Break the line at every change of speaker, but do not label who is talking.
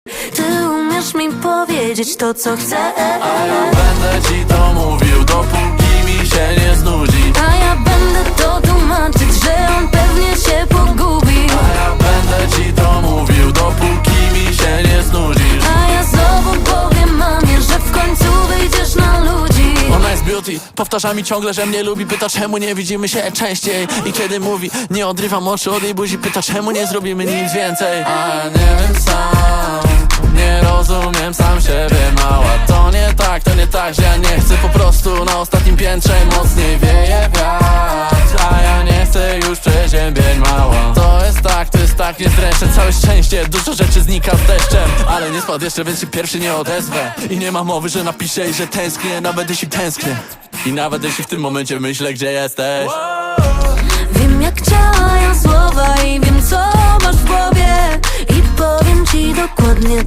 Ty umiesz mi powiedzieć to, co chcę,
a ja będę ci to mówił, dopóki mi się nie znudzi.
a ja będę to tłumaczyć, że on pewnie się pogubi.
A ja będę ci to mówił, dopóki mi się nie znudzisz.
A ja znowu powiem mamie, że w końcu wyjdziesz na ludzi.
Ona jest beauty, powtarza mi ciągle, że mnie lubi. Pyta, czemu nie widzimy się częściej. I kiedy mówi, nie odrywam oczu od jej buzi. Pyta, czemu nie zrobimy nic więcej. A ja nie wiem sam, nie rozumiem sam siebie, mała. To nie tak, że ja nie chcę. Po prostu na ostatnim piętrze mocniej wieje wiatr. A ja nie chcę już przeziębień, mała. To jest tak, nie zdręczę. Całe szczęście, dużo rzeczy znika z deszczem. Ale nie spadł jeszcze, więc się pierwszy nie odezwę. I nie ma mowy, że napiszę i że tęsknię. Nawet jeśli tęsknię i nawet jeśli w tym momencie myślę, gdzie jesteś.
Wiem, jak działają słowa i wiem, co masz w głowie. I powiem ci dokładnie